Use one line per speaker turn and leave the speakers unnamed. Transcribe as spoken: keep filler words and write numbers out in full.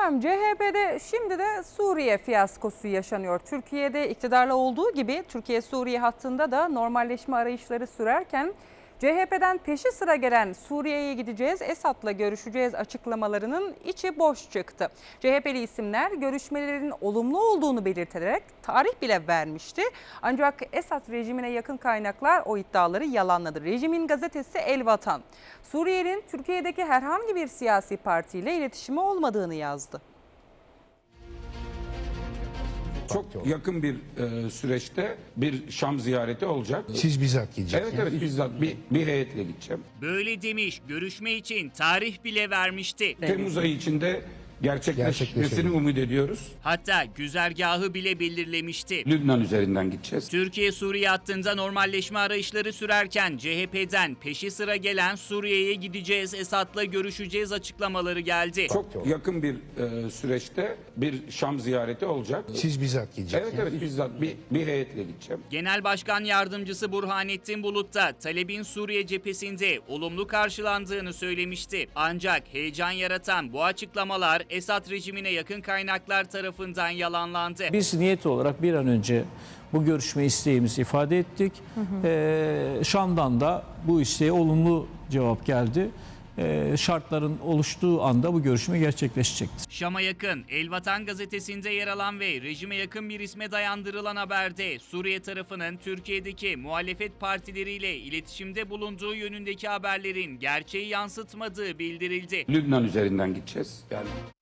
Efendim C H P'de şimdi de Suriye fiyaskosu yaşanıyor. Türkiye'de iktidarla olduğu gibi Türkiye-Suriye hattında da normalleşme arayışları sürerken C H P'den peşi sıra gelen Suriye'ye gideceğiz, Esad'la görüşeceğiz açıklamalarının içi boş çıktı. C H P'li isimler görüşmelerin olumlu olduğunu belirterek tarih bile vermişti. Ancak Esad rejimine yakın kaynaklar o iddiaları yalanladı. Rejimin gazetesi El Vatan, Suriye'nin Türkiye'deki herhangi bir siyasi partiyle iletişimi olmadığını yazdı.
Çok yakın bir e, süreçte bir Şam ziyareti olacak.
Siz bizzat gideceksiniz.
Evet evet bizzat bir, bir heyetle gideceğim.
Böyle demiş, görüşme için tarih bile vermişti.
Temmuz ayı içinde gerçekleşmesini
Gerçekleşelim.
umut ediyoruz.
Hatta güzergahı bile belirlemişti.
Lübnan üzerinden gideceğiz.
Türkiye-Suriye hattında normalleşme arayışları sürerken C H P'den peşi sıra gelen Suriye'ye gideceğiz, Esad'la görüşeceğiz açıklamaları geldi.
Çok yakın bir e, süreçte bir Şam ziyareti olacak.
Siz bizzat
Evet
gideceksiniz.
evet bizzat bir, bir heyetle gideceğim.
Genel Başkan Yardımcısı Burhanettin Bulut da talebin Suriye cephesinde olumlu karşılandığını söylemişti. Ancak heyecan yaratan bu açıklamalar Esad rejimine yakın kaynaklar tarafından yalanlandı.
Biz niyet olarak bir an önce bu görüşme isteğimizi ifade ettik. Hı hı. Ee, Şam'dan da bu isteğe olumlu cevap geldi. Ee, şartların oluştuğu anda bu görüşme gerçekleşecektir.
Şam'a yakın El Vatan gazetesinde yer alan ve rejime yakın bir isme dayandırılan haberde Suriye tarafının Türkiye'deki muhalefet partileriyle iletişimde bulunduğu yönündeki haberlerin gerçeği yansıtmadığı bildirildi.
Lübnan üzerinden gideceğiz. Yani